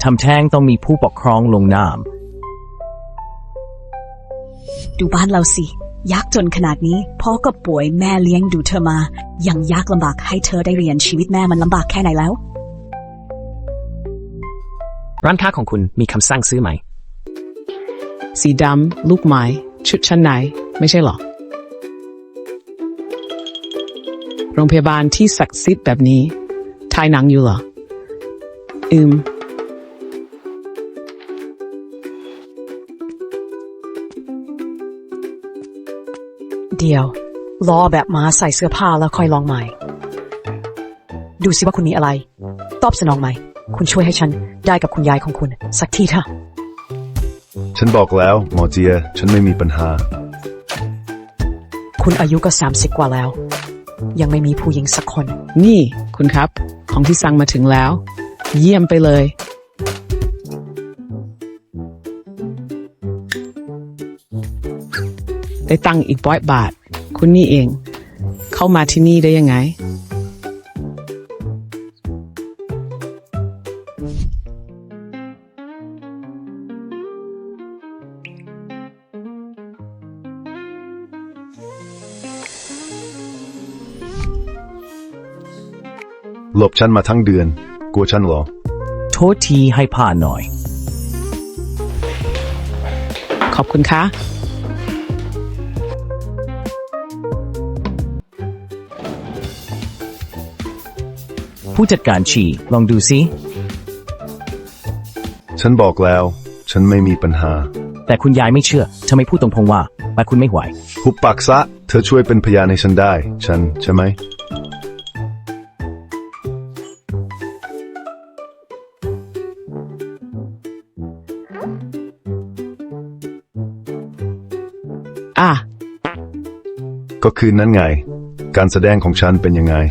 ทำแท้งต้องมีผู้ปกครองลงนามดูบ้านเราสิยากจนขนาดนี้พ่อก็ป่วยแม่เลี้ยงดูเธอมายังยากลำบากให้เธอได้เรียนชีวิตแม่มันลำบากแค่ไหนแล้วร้านค้าของคุณมีคำสั่งซื้อไหมสีดำลูกไม้ชุดชั้นในไม่ใช่หรอโรงพยาบาลที่ศักดิ์สิทธิ์แบบนี้ถ่ายหนังอยู่เหรอเดี๋ยวรอแบบม้าใส่เสื้อผ้าแล้วค่อยลองใหม่ดูสิว่าคุณมีอะไรตอบสนองไหมคุณช่วยให้ฉันได้กับคุณยายของคุณสักทีเถอะฉันบอกแล้วหมอเจียฉันไม่มีปัญหาคุณอายุก็30กว่าแล้วยังไม่มีผู้หญิงสักคนนี่คุณครับของที่สั่งมาถึงแล้วเยี่ยมไปเลยได้ตังค์อีก100 บาทคุณนี่เองเข้ามาที่นี่ได้ยังไงหลบฉันมาทั้งเดือนกลัวฉันเหรอโทษทีให้ผ่านหน่อยขอบคุณค่ะผู้จัดการฉี่ลองดูซิฉันบอกแล้วฉันไม่มีปัญหาแต่คุณยายไม่เชื่อทำไมพูดตรงๆว่าคุณไม่ไหวหุบปากซะเธอช่วยเป็นพยานให้ฉันได้ฉันใช่ไหมก็คือนั้นไงการแสดงของฉันเป็นยังไง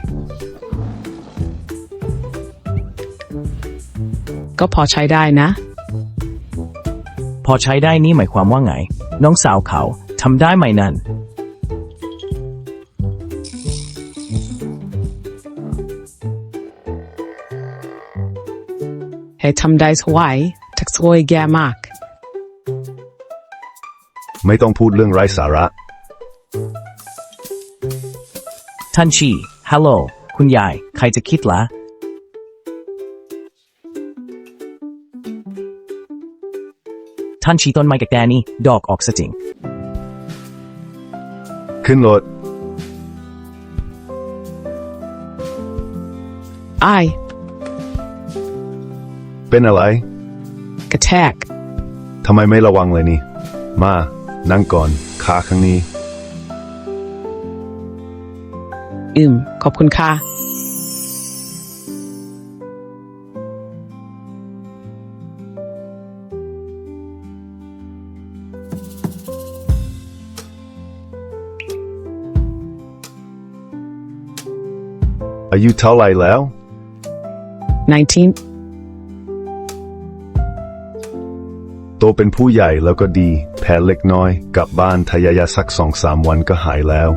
ก็พอใช้ได้นะพอใช้ได้นี่หมายความว่าไงน้องสาวเขาทำได้ไหมนั่นให้ทำได้สวยทักสวยแย่มากไม่ต้องพูดเรื่องไร้สาระท่านชีฮัลโหลคุณยายใครจะคิดละท่านชีต้นไม้กับแดนี่ดอกออกซะจริงขึ้นรถเป็นอะไรกระแทกทำไมไม่ระวังเลยนี่มานั่งก่อนขาข้างนี้ขอบคุณค่ะอายุเท่าไรแล้ว 19 โตเป็นผู้ใหญ่แล้วก็ดีแผลเล็กน้อยกลับบ้านทายาสัก2-3 วันก็หายแล้ว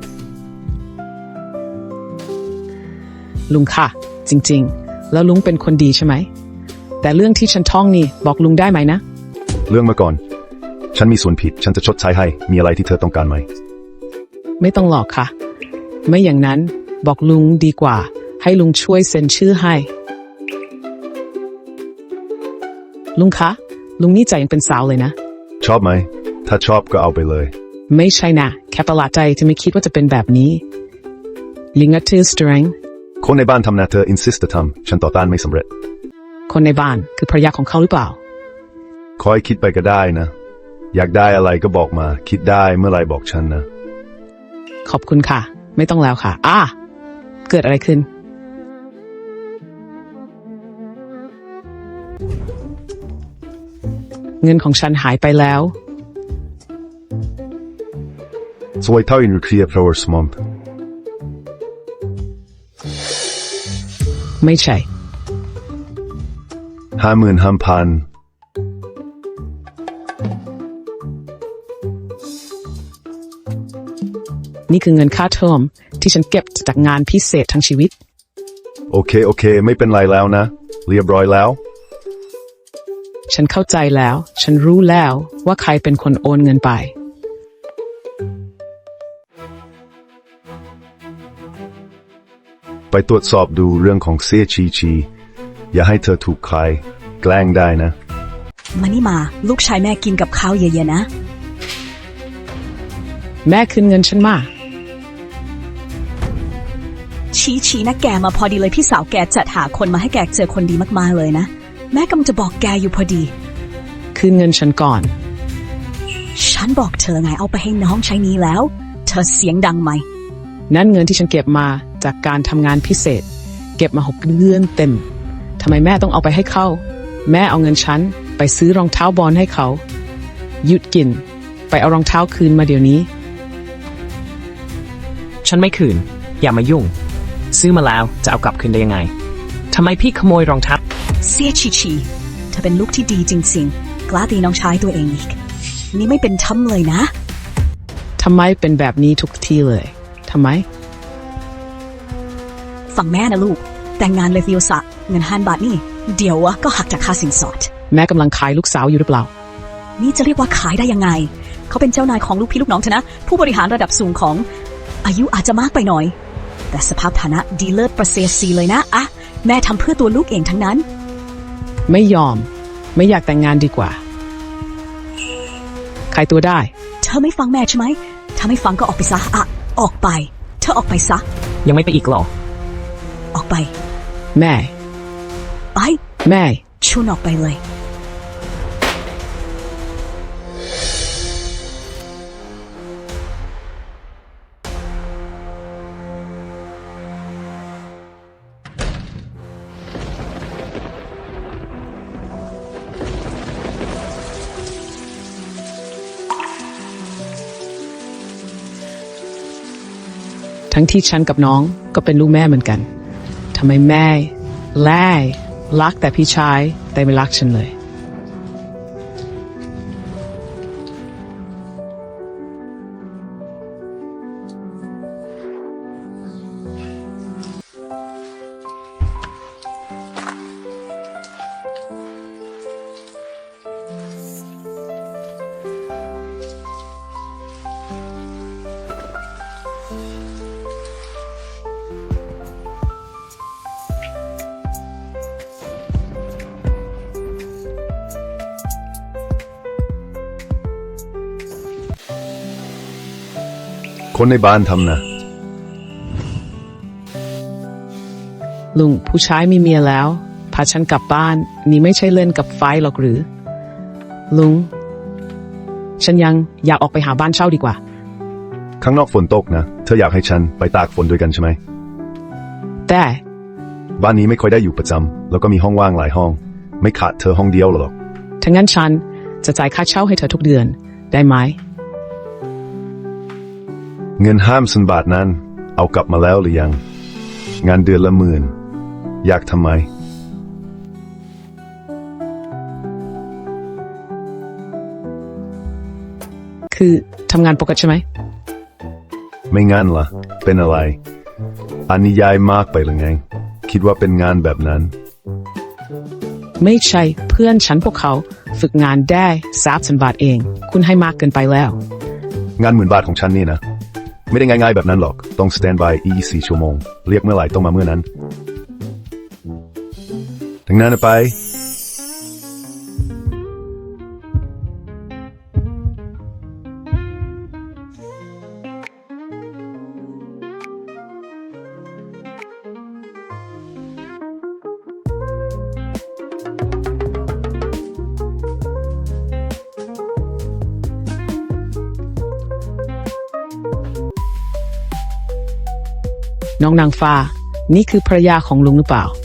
ลุงค่ะจริงๆแล้วลุงเป็นคนดีใช่ไหมแต่เรื่องที่ฉันท่องนี่บอกลุงได้ไหมนะเรื่องมาก่อนฉันมีส่วนผิดฉันจะชดใช้ให้มีอะไรที่เธอต้องการไหมไม่ต้องหลอกค่ะไม่อย่างนั้นบอกลุงดีกว่าให้ลุงช่วยเซ็นชื่อให้ลุงคะลุงนี่ใจยังเป็นสาวเลยนะชอบไหมถ้าชอบก็เอาไปเลยไม่ใช่นะแค่ประหลาดใจที่ไม่คิดว่าจะเป็นแบบนี้ลิงก์ทือสตริงคนในบ้านทำนะเธอ insist ทำฉันต่อต้านไม่สำเร็จคนในบ้านคือภรรยาของเขาหรือเปล่าคอยคิดไปก็ได้นะอยากได้อะไรก็บอกมาคิดได้เมื่อไรบอกฉันนะขอบคุณค่ะไม่ต้องแล้วค่ะเกิดอะไรขึ้นเงินของฉันหายไปแล้วสวยเท่าอินรูเคลียร์พลาวเวอร์สมอมไม่ใช่ 55,000 นี่คือเงินค่าเทอมที่ฉันเก็บจากงานพิเศษทั้งชีวิตโอเคไม่เป็นไรแล้วนะเรียบร้อยแล้วฉันเข้าใจแล้ว ฉันรู้แล้วว่าใครเป็นคนโอนเงินไปไปตรวจสอบดูเรื่องของเสียชีอย่าให้เธอถูกใครแกล้งได้นะมานี่มาลูกชายแม่กินกับข้าวเยอะๆนะแม่คืนเงินฉันมาชี้นะแกมาพอดีเลยพี่สาวแกจัดหาคนมาให้แกเจอคนดีมากๆเลยนะแม่กำลังจะบอกแกอยู่พอดีคืนเงินฉันก่อนฉันบอกเธอไงเอาไปให้น้องใช้นี้แล้ว เธอเสียงดังไหมนั่นเงินที่ฉันเก็บมาจากการทำงานพิเศษ เก็บมา6 เดือนเต็มทำไมแม่ต้องเอาไปให้เขาแม่เอาเงินฉันไปซื้อรองเท้าบอลให้เขาหยุดกินไปเอารองเท้าคืนมาเดี๋ยวนี้ฉันไม่คืน อย่ามายุ่ง ซื้อมาแล้วจะเอากลับคืนได้ยังไงทำไมพี่ขโมยรองเท้าเสียชีเธอเป็นลูกที่ดีจริงๆกล้าตีน้องชายตัวเองอีกนี่ไม่เป็นธรรมเลยนะทำไมเป็นแบบนี้ทุกทีเลยทำไมฟังแม่นะลูกแต่งงานเลยฟิโอสะเงิน5,000 บาทนี่เดี๋ยวก็หักจากค่าสินสอดแม่กำลังขายลูกสาวอยู่หรือเปล่านี่จะเรียกว่าขายได้ยังไงเขาเป็นเจ้านายของลูกพี่ลูกน้องเธอนะผู้บริหารระดับสูงของอายุอาจจะมากไปหน่อยแต่สภาพฐานะดีเลิศประเสริฐสีเลยนะอะแม่ทำเพื่อตัวลูกเองทั้งนั้นไม่ยอมไม่อยากแต่งงานดีกว่าขายตัวได้เธอไม่ฟังแม่ใช่ไหมถ้าไม่ฟังก็ออกไปซะอะออกไปเธอออกไปซะยังไม่ไปอีกหรอออกไปแม่ไปแม่ชวนออกไปเลยทั้งที่ฉันกับน้องก็เป็นลูกแม่เหมือนกันทำไมแม่แล่รักแต่พี่ชายแต่ไม่รักฉันเลยคนในบ้านทำนะลุงผู้ชายมีเมียแล้วพาฉันกลับบ้านนี่ไม่ใช่เล่นกับไฟหรอกหรือ ลุงฉันยังอยากออกไปหาบ้านเช่าดีกว่าข้างนอกฝนตกนะเธออยากให้ฉันไปตากฝนด้วยกันใช่ไหมแต่บ้านนี้ไม่ค่อยได้อยู่ประจำแล้วก็มีห้องว่างหลายห้อง ไม่ขาดเธอห้องเดียวหรอกถ้างั้นฉันจะจ่ายค่าเช่าให้เธอทุกเดือนได้ไหมเงิน5,000 บาทนั้นเอากลับมาแล้วหรือยังงานเดือนละ10,000อยากทำไมคือทำงานปกติใช่ไหมไม่งั้นล่ะเป็นอะไรอันนี้ย้ายมากไปหรือไงคิดว่าเป็นงานแบบนั้นไม่ใช่เพื่อนฉันพวกเขาฝึกงานได้3,000 บาทเองคุณให้มากเกินไปแล้วงาน10,000 บาทของฉันนี่นะไม่ได้ง่ายๆแบบนั้นหรอกต้อง stand by 24 ชั่วโมงเรียกเมื่อไหร่ต้องมาเมื่อนั้นดังนั้นไปน้องนางฟ้านี่คือภรรยาของลุงหรือเปล่า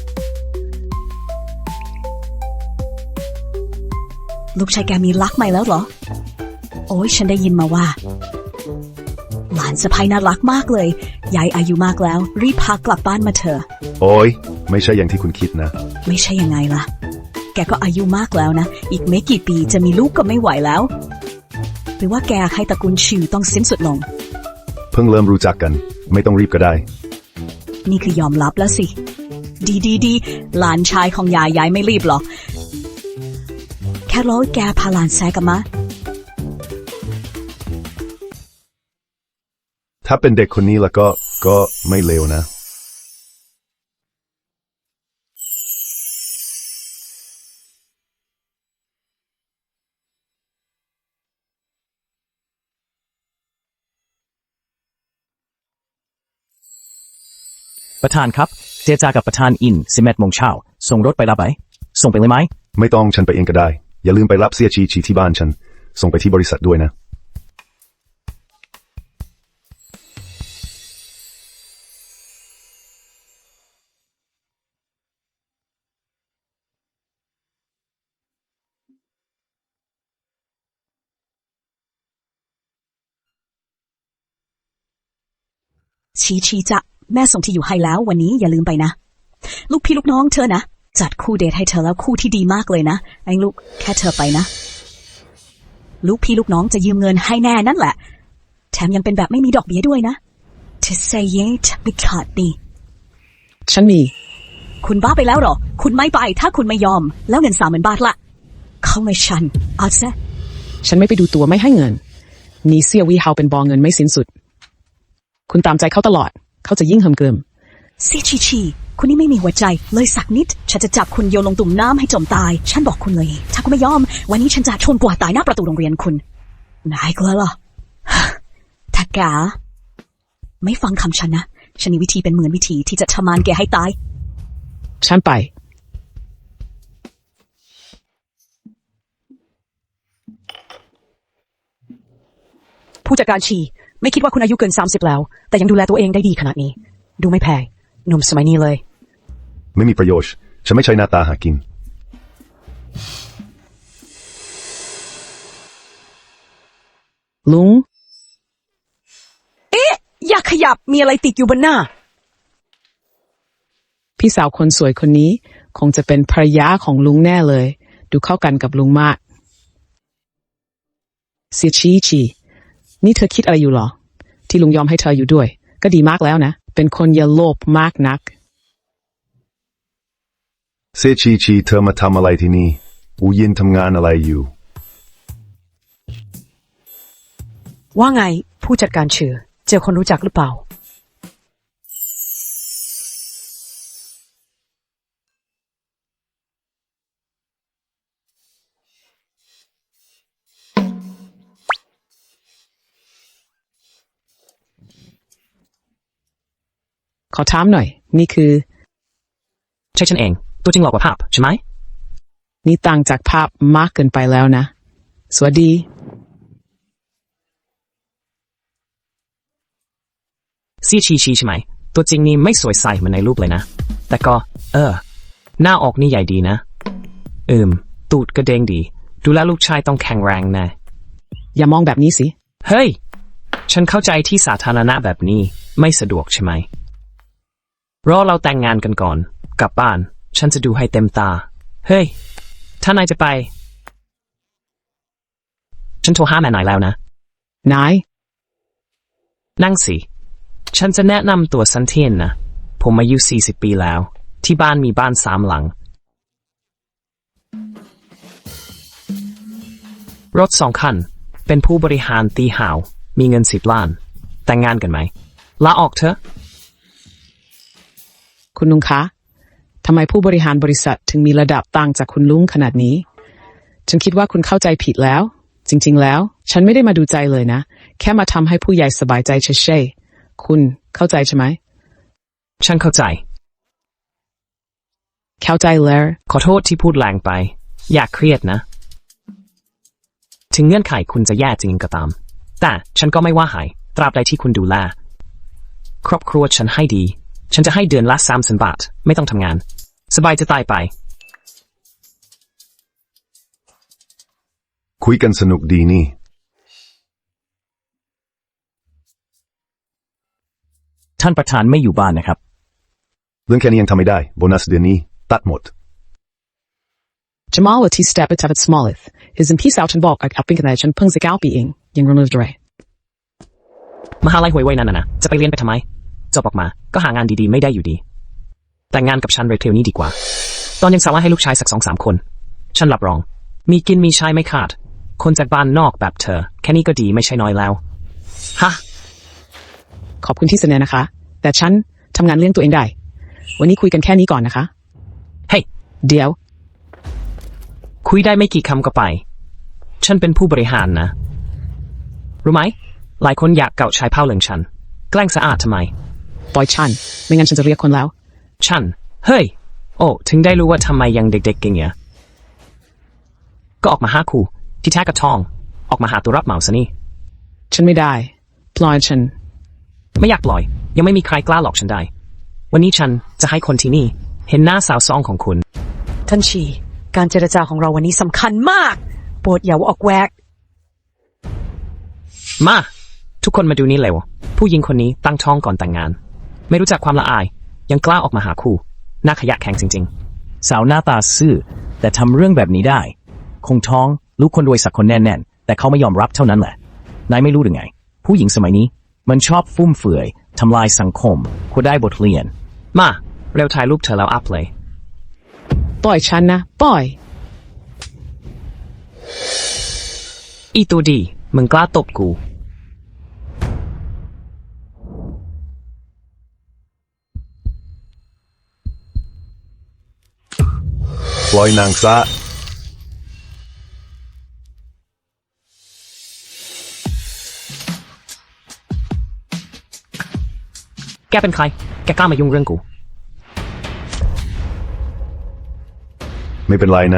ลูกชายแกมีรักใหม่แล้วเหรอโอ้ยฉันได้ยินมาว่าหลานสะใภ้น่ารักมากเลยยายอายุมากแล้วรีบพากลับบ้านมาเถอะโอ้ยไม่ใช่อย่างที่คุณคิดนะไม่ใช่ยังไงล่ะแกก็อายุมากแล้วนะอีกไม่กี่ปีจะมีลูกก็ไม่ไหวแล้วหรือว่าแกให้ตระกูลชิวต้องสิ้นสุดลงเพิ่งเริ่มรู้จักกันไม่ต้องรีบก็ได้นี่คือยอมรับแล้วสิดีหลานชายของยายไม่รีบหรอกแค่รอให้แกพาหลานแซกลับมาถ้าเป็นเด็กคนนี้แล้วก็ไม่เลวนะประธานครับ เจรจากับประธานอิน11 โมงเช้าส่งรถไปรับไปส่งไปเลยไหมไม่ต้องฉันไปเองก็ได้ อย่าลืมไปรับเสียชีที่บ้านฉัน ส่งไปที่บริษัทด้วยนะชีจะแม่ส่งที่อยู่ให้แล้ววันนี้อย่าลืมไปนะ ลูกพี่ลูกน้องเธอนะจัดคู่เดทให้เธอแล้วคู่ที่ดีมากเลยนะไอ้ลูกแค่เธอไปนะ ลูกพี่ลูกน้องจะยืมเงินให้แน่นั่นแหละแถมยังเป็นแบบไม่มีดอกเบี้ยด้วยนะเธอ say yes ไม่ขาดดีฉันมีคุณบ้าไปแล้วเหรอคุณไม่ไปถ้าคุณไม่ยอมแล้วเงิน30,000 บาทละเข้าไม่ชันเอาซะฉันไม่ไปดูตัวไม่ให้เงินนี่เสียวีเฮาเป็นบอเงินไม่สิ้นสุด คุณตามใจเขาตลอดเขาจะยิ่งเหิมเกริมชีคุณนี่ไม่มีหัวใจเลยสักนิดฉันจะจับคุณโยนลงตุ่มน้ำให้จมตายฉันบอกคุณเลยถ้าคุณไม่ยอมวันนี้ฉันจะชนกว่าตายหน้าประตูโรงเรียนคุณนายกลัวเหรอ ถ้าแกไม่ฟังคำฉันนะฉันมีวิธีเป็นหมื่นวิธีที่จะทำมันแกให้ตายฉันไปผู้จัดการชีไม่คิดว่าคุณอายุเกิน30แล้วแต่ยังดูแลตัวเองได้ดีขนาดนี้ดูไม่แพงหนุ่มสมัยนี้เลยไม่มีประโยชน์ ฉันไม่ใช่หน้าตาหากินลุงอย่าขยับมีอะไรติดอยู่บนหน้าพี่สาวคนสวยคนนี้คงจะเป็นภรรยาของลุงแน่เลย ดูเข้ากันกับลุงมากเสียชีนี่เธอคิดอะไรอยู่หรอ ที่ลุงยอมให้เธออยู่ด้วย ก็ดีมากแล้วนะ เป็นคนอย่าโลภมากนักเซชีเธอมาทำอะไรที่นี่อูยินทำงานอะไรอยู่ว่าไงผู้จัดการชื่อเจอคนรู้จักหรือเปล่าขอถามหน่อย นี่คือใช่ฉันเองตัวจริงหลอกกว่าภาพใช่ไหมนี่ต่างจากภาพมากเกินไปแล้วนะ สวัสดีเสียชีใช่ไหมตัวจริงนี่ไม่สวยใสเหมือนในรูปเลยนะแต่ก็หน้าออกนี่ใหญ่ดีนะตูดก็เด้งดีดูแลลูกชายต้องแข็งแรงแน่อย่ามองแบบนี้สิเฮ้ยฉันเข้าใจที่สาธารณะแบบนี้ไม่สะดวกใช่ไหมรอเราแต่งงานกันก่อนกลับบ้านฉันจะดูให้เต็มตาเฮ้ยถ้านายจะไปฉันโทรหาแม่นายแล้วนะนายนั่งสิฉันจะแนะนำตัวสันเทียนนะผมอายุ40 ปีแล้วที่บ้านมีบ้าน3 หลังรถ2 คันเป็นผู้บริหารตีห่าวมีเงิน10 ล้านแต่งงานกันไหมลาออกเถอะคุณลุงคะ ทำไมผู้บริหารบริษัทถึงมีระดับต่างจากคุณลุงขนาดนี้ ฉันคิดว่าคุณเข้าใจผิดแล้ว จริงๆแล้ว ฉันไม่ได้มาดูใจเลยนะ แค่มาทำให้ผู้ใหญ่สบายใจเฉยๆคุณเข้าใจใช่ไหมฉันเข้าใจเข้าใจแล้วขอโทษที่พูดแรงไปอย่าเครียดนะถึงเงื่อนไขคุณจะแย่จริงก็ตามแต่ฉันก็ไม่ว่าหายตราบใดที่คุณดูแลครอบครัวฉันให้ดีฉันจะให้เดือนละ300,000 บาทไม่ต้องทำงานสบายจะตายไปคุยกันสนุกดีนี่ท่านประธานไม่อยู่บ้านนะครับเรื่องแค่นี้ยังทำไม่ได้โบนัสเดือนนี้ตัดหมด Jamalที่ step it up at Smalleth is in peace out andบอกกับเป็นกันได้ฉันเพิ่งจะ9 ปีเองยังรู้ด้วยมหาลัยห่วยๆนั่นนะจะไปเรียนไปทำไมจบออกมาก็หางานดีๆไม่ได้อยู่ดีแต่งงานกับฉันเร็วๆนี้ดีกว่าตอนยังสาวให้ลูกชายสัก2-3 คนฉันรับรองมีกินมีใช้ไม่ขาด คนจากบ้านนอกแบบเธอ แค่นี้ก็ดีไม่ใช่น้อยแล้ว ฮะขอบคุณที่เสนอนะคะ แต่ฉันทำงานเลี้ยงตัวเองได้ วันนี้คุยกันแค่นี้ก่อนนะคะเฮ้ยเดี๋ยวคุยได้ไม่กี่คำก็ไป ฉันเป็นผู้บริหารนะ รู้ไหม หลายคนอยากเก่าชายเผ่าเหลืองฉัน แกล้งสะอาดทำไมปล่อยฉัน ไม่งั้นฉันจะเรียกคนแล้วฉัน เฮ้ย โอ้ ถึงได้รู้ว่าทำไมยังเด็กๆเก่งเนี่ยก็ออกมาหาครูที่แท้กระทอง ออกมาหาตัวรับเหมาซะนี่ฉันไม่ได้ ปล่อยฉันไม่อยากปล่อย ยังไม่มีใครกล้าหลอกฉันได้ วันนี้ฉันจะให้คนที่นี่ เห็นหน้าสาวซองของคุณท่านชี การเจรจาของเราวันนี้สำคัญมาก โปรดอย่าออกแวกมา ทุกคนมาดูนี่เร็ว ผู้หญิงคนนี้ตั้งท้องก่อนแต่งงาน ไม่รู้จักความละอาย ยังกล้าออกมาหาคู่หน้าขยะแข็งจริงสาวหน้าตาซื่อ แต่ทำเรื่องแบบนี้ได้ คงท้องลูกคนรวยสักคนแน่ๆแต่เขาไม่ยอมรับเท่านั้นแหละนายไม่รู้หรือไง ผู้หญิงสมัยนี้ มันชอบฟุ่มเฟือยทำลายสังคมควรได้บทเรียนๆ มา เร็วถ่ายรูปเธอแล้วอัพเลยปล่อยฉันนะ ปล่อยอีตัวดี มึงกล้าตบกูปล่อยนางซะแกเป็นใคร แกกล้ามายุ่งเรื่องกูไม่เป็นไรนะ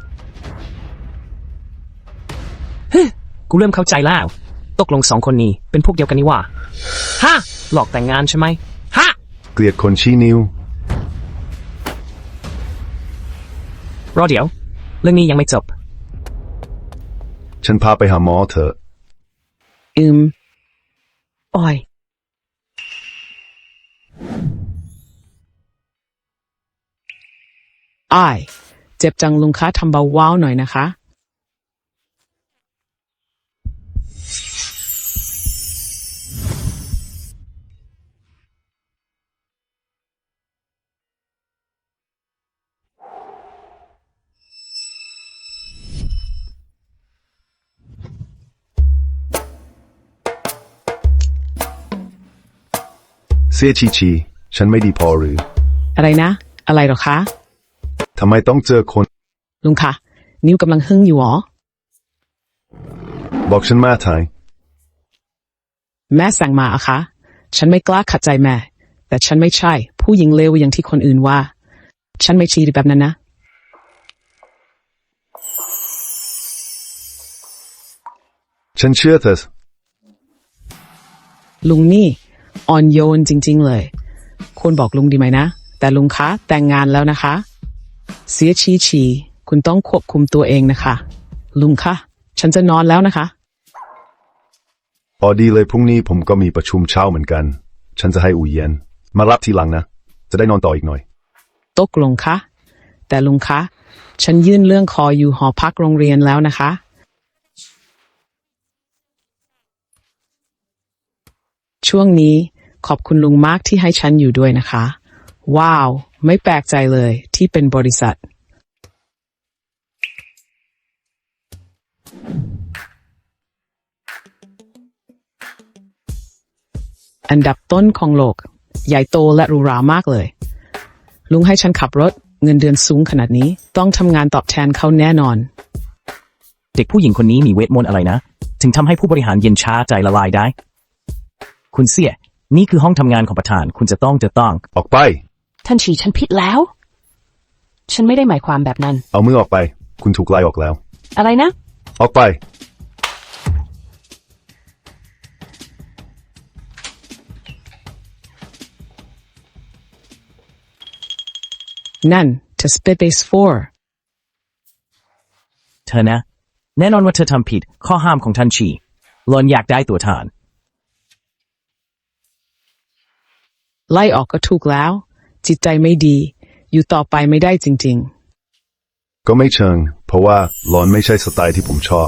กูเริ่มเข้าใจแล้ว ตกลงสองคนนี้เป็นพวกเดียวกันนี่ว่าฮะ หลอกแต่งงานใช่ไหมฮะเกลียดคนชี้นิ้วรอเดี๋ยว เรื่องนี้ยังไม่จบฉันพาไปหาหมอเถอะอ้อยอ้าย เจ็บจังลุงคะทำเบาว้าวหน่อยนะคะเสียชีฉันไม่ดีพอหรืออะไรนะ อะไรหรอคะทำไมต้องเจอคนลุงคะ นิ้วกำลังหึ่งอยู่หรอบอกฉันมาถ่ายแม่สั่งมาอะคะ ฉันไม่กล้าขัดใจแม่ แต่ฉันไม่ใช่ ผู้หญิงเลวอย่างที่คนอื่นว่า ฉันไม่ชีแบบนั้นนะฉันเชื่อเธอลุงนี่อ่อนโยนจริงๆเลยควรบอกลุงดีไหมนะ แต่ลุงคะแต่งงานแล้วนะคะ เสียชีคุณต้องควบคุมตัวเองนะคะ ลุงคะฉันจะนอนแล้วนะคะพอดีเลยพรุ่งนี้ผมก็มีประชุมเช้าเหมือนกัน ฉันจะให้อูเย็น มารับทีหลังนะ จะได้นอนต่ออีกหน่อยตกลงคะแต่ลุงคะฉันยื่นเรื่องขออยู่หอพักโรงเรียนแล้วนะคะ ช่วงนี้ขอบคุณลุงมากที่ให้ฉันอยู่ด้วยนะคะ ว้าว ไม่แปลกใจเลยที่เป็นบริษัท อันดับต้นของโลก ใหญ่โตและหรูหรามากเลย ลุงให้ฉันขับรถเงินเดือนสูงขนาดนี้ ต้องทำงานตอบแทนเขาแน่นอนเด็กผู้หญิงคนนี้มีเวทมนต์อะไรนะ ถึงทำให้ผู้บริหารเย็นช้าใจละลายได้ คุณเสี่ย นี่คือห้องทำงานของประธาน คุณจะต้องออกไปท่านชีฉันผิดแล้ว ฉันไม่ได้หมายความแบบนั้นเอามือออกไป คุณถูกไล่ออกแล้วอะไรนะออกไปนั่น to space เธอนะ แน่นอนว่าเธอทำผิดข้อห้ามของท่านชีหลอนอยากได้ตัวทาน 4ไล่ออกก็ถูกแล้ว จิตใจไม่ดี อยู่ต่อไปไม่ได้จริงก็ไม่เชิง เพราะว่าร้อนไม่ใช่สไตล์ที่ผมชอบ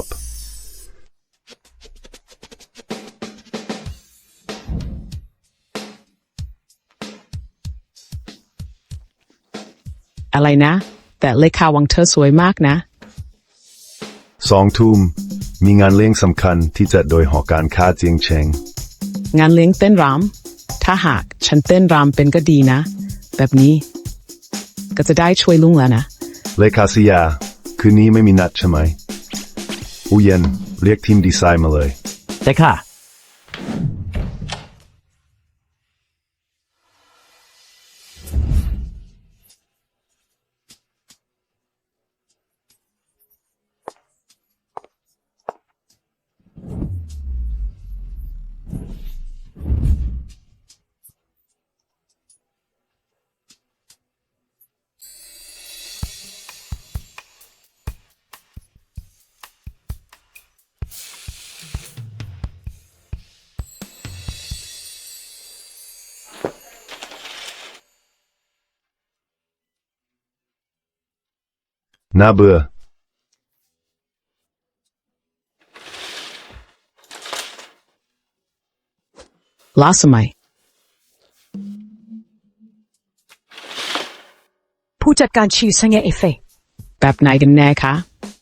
ๆ อะไรนะ แต่เลขาวังเธอสวยมากนะ 2 ทุ่มมีงานเลี้ยงสำคัญที่จัดโดยหอการค้าเจียงเชงงานเลี้ยงเต้นรำถ้าหากฉันเต้นรำเป็นก็ดีนะ แบบนี้ก็จะได้ช่วยลุงแล้วนะเลขาเซียคืนนี้ไม่มีนัดใช่ไหมอูเย็นเรียกทีมดีไซน์มาเลยแต่ค่ะน่าเบื่อล้าสมัยผู้จัดการชีสังเกตเอฟเฟกต์แบบไหนกันแน่คะ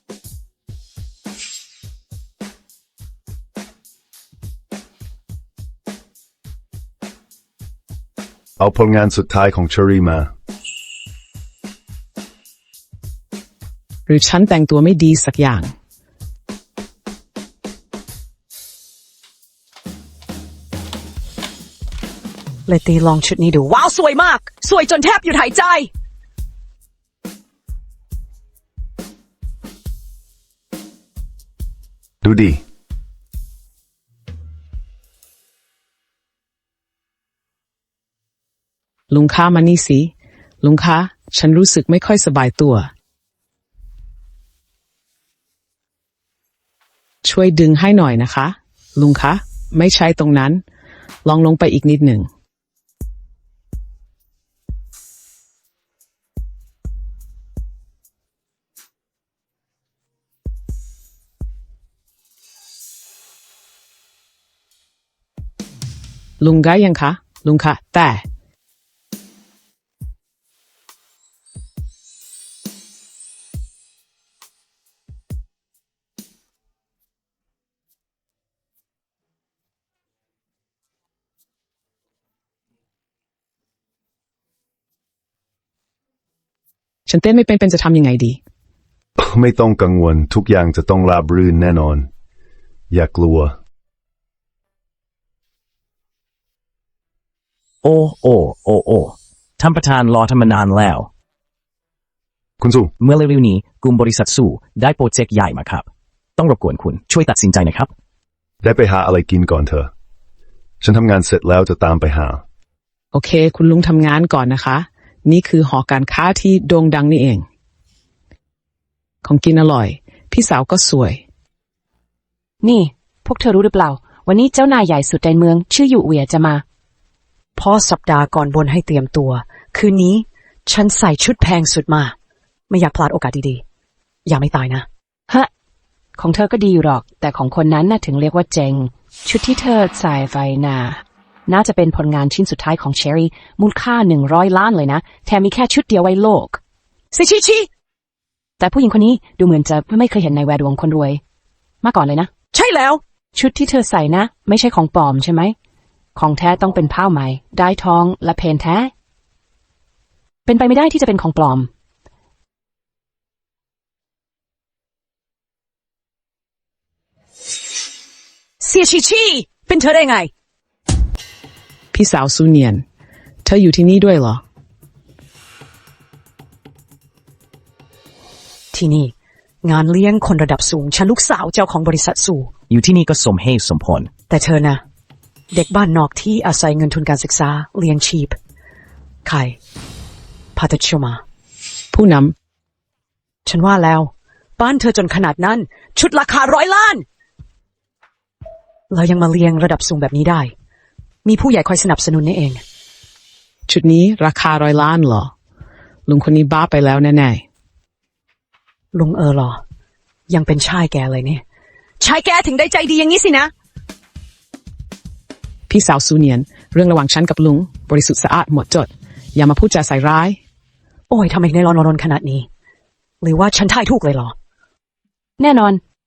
เอาผลงานสุดท้ายของเชอรี่มาหรือฉันแต่งตัวไม่ดีสักอย่างเลยตีลองชุดนี้ดู ว้าว สวยมาก สวยจนแทบหยุดหายใจดูดีลุงค้ามานี่สิลุงค้าฉันรู้สึกไม่ค่อยสบายตัว ช่วยดึงให้หน่อยนะคะ ลุงคะไม่ใช่ตรงนั้น ลองลงไปอีกนิดหนึ่ง ลุงได้ยังคะ ลุงคะแต่ฉันเต้นไม่เป็นจะทำยังไงดีไม่ต้องกังวลทุกอย่างจะต้องราบรื่นแน่นอน อย่ากลัวโอ้ท่านประธานรอทำมานานแล้วคุณสู้เมื่อเร็วๆนี้กลุ่มบริษัทสู่ได้โปรเจกต์ใหญ่มาครับ ต้องรบกวนคุณช่วยตัดสินใจหนะครับได้ไปหาอะไรกินก่อนเถอะ ฉันทำงานเสร็จแล้วจะตามไปหาโอเค คุณลุงทำงานก่อนนะคะ นี่คือหอการค้าที่โด่งดังนี่เอง ของกินอร่อย พี่สาวก็สวยนี่ พวกเธอรู้หรือเปล่า วันนี้เจ้านายใหญ่สุดในเมือง ชื่ออยู่เวียจะมาพอสัปดาห์ก่อนบนให้เตรียมตัว คืนนี้ฉันใส่ชุดแพงสุดมา ไม่อยากพลาดโอกาสดีๆ อย่าไม่ตายนะฮะ ของเธอก็ดีอยู่หรอก แต่ของคนนั้นน่ะถึงเรียกว่าเจงชุดที่เธอใส่ไฟน่าจะเป็นผลงานชิ้นสุดท้ายของเชอรี่มูลค่า100 ล้านเลยนะ แถมมีแค่ชุดเดียวไว้โลกชิแต่ผู้หญิงคนนี้ดูเหมือนจะไม่เคยเห็นในแวดวงคนรวย มาก่อนเลยนะใช่แล้วชุดที่เธอใส่นะ ไม่ใช่ของปลอมใช่ไหม ของแท้ต้องเป็นผ้าไหมได้ทองและเพนแท้ เป็นไปไม่ได้ที่จะเป็นของปลอมเสียชิเป็นเธอได้ไงพี่สาวซูเนียน เธออยู่ที่นี่ด้วยเหรอที่นี่ งานเลี้ยงคนระดับสูง ฉันลูกสาวเจ้าของบริษัทสู่อยู่ที่นี่ก็สมเหตุสมผลแต่เธอนะเด็กบ้านนอกที่อาศัยเงินทุนการศึกษาเลี้ยงชีพใครพาตชมาผู้นฉันว่าแล้วบ้านเธอจนขนาดนั้น ชุดราคา100 ล้านแล้วยังมาเลี้ยงระดับสูงแบบนี้ได้ มีผู้ใหญ่คอยสนับสนุนนี่เองำชุดนี้ราคา100 ล้านเหรอ ลุงคนนี้บ้าไปแล้วแน่ลุงหรอยังเป็นชายแกเลยเนี่ยชายแกถึงได้ใจดีอย่างนี้สินะๆ พี่สาวซูเนียน เรื่องระหว่างฉันกับลุง บริสุทธิ์สะอาดหมดจด อย่ามาพูดจาใส่ร้ายโอ้ยทำไมในร้อนขนาดนี้ หรือว่าฉันทายถูกเลยเหรอแน่นอน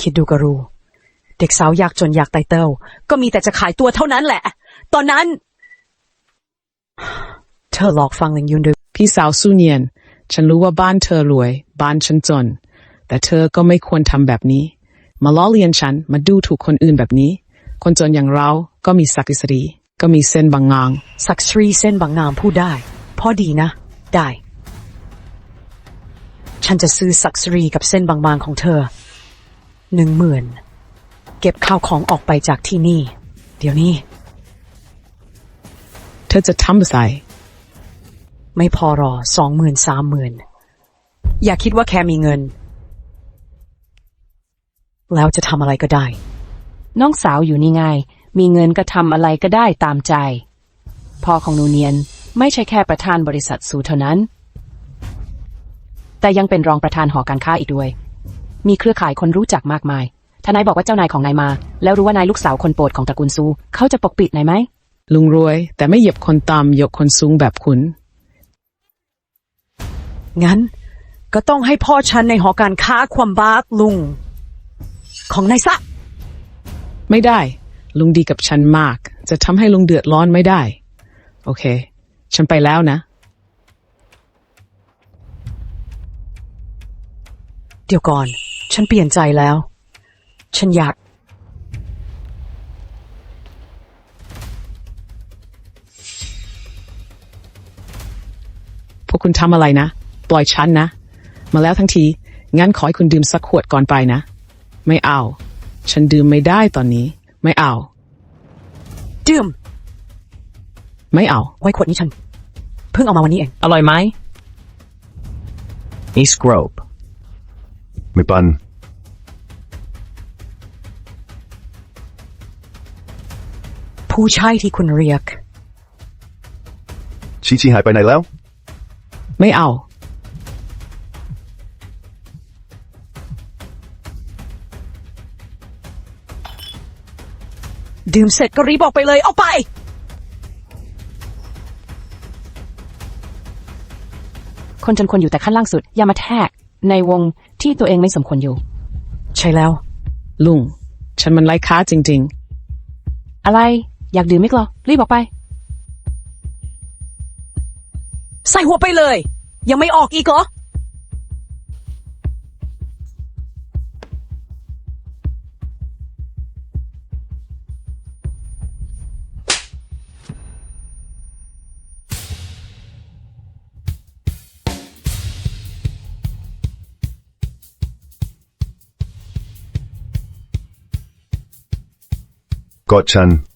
คิดดูก็รู้ เด็กสาวยากจนอยากไตเติลก็มีแต่จะขายตัวเท่านั้นแหละ ตอนนั้น เธอหลอกฟังลิงยุนด้วยพี่สาวสู้เนียน ฉันรู้ว่าบ้านเธอรวย บ้านฉันจน แต่เธอก็ไม่ควรทำแบบนี้ มาล้อเลียนฉัน มาดูถูกคนอื่นแบบนี้ คนจนอย่างเราก็มีศักดิ์ศรีก็มีเส้นบางงางศักดิ์ศรีเส้นบางงามพูดได้ พอดีนะ ได้ ฉันจะซื้อศักดิ์ศรีกับเส้นบางๆของเธอ 10,000 เก็บข้าวของออกไปจากที่นี่ เดี๋ยวนี้เธอจะทำอะไรไม่พอหรอ 20,000 30,000 อย่าคิดว่าแค่มีเงิน แล้วจะทำอะไรก็ได้น้องสาวอยู่นี่ไง มีเงินก็ทำอะไรก็ได้ตามใจ พ่อของหนูเนียนไม่ใช่แค่ประธานบริษัทสูเท่านั้น แต่ยังเป็นรองประธานหอการค้าอีกด้วย มีเครือข่ายคนรู้จักมากมาย ถ้านายบอกว่าเจ้านายของนายมา แล้วรู้ว่านายลูกสาวคนโปรดของตระกูลซูเขาจะปกปิดนายไหมลุงรวย แต่ไม่เหยียบคนต่ำยกคนสูงแบบคุณงั้น ก็ต้องให้พ่อฉันในหอการค้าความบาสลุง ของนายซะไม่ได้ ลุงดีกับฉันมาก จะทำให้ลุงเดือดร้อนไม่ได้ โอเค ฉันไปแล้วนะเดี๋ยวก่อน ฉันเปลี่ยนใจแล้ว ฉันอยากพวกคุณทำอะไรนะ ปล่อยฉันนะ มาแล้วทั้งที งั้นขอให้คุณดื่มสักขวดก่อนไปนะ ไม่เอา ฉันดื่มไม่ได้ตอนนี้ ไม่เอาดื่มไม่เอาไว้ขวดนี้ฉัน เพิ่งเอามาวันนี้เองอร่อยไหมนี่สโครบไม่ปันผู้ชายที่คุณเรียกชีหายไปไหนแล้วไม่เอาดื่มเสร็จก็รีบออกไปเลย เอาไปคนจนควรอยู่แต่ขั้นล่างสุด อย่ามาแทรกในวงที่ตัวเองไม่สมควรอยู่ใช่แล้วลุง ฉันมันไร้ค่าจริงอะไรอยากดื่มไหมกเหรอรีบออกไปใส่หัวไปเลย ยังไม่ออกอีกเหรอกอดฉัน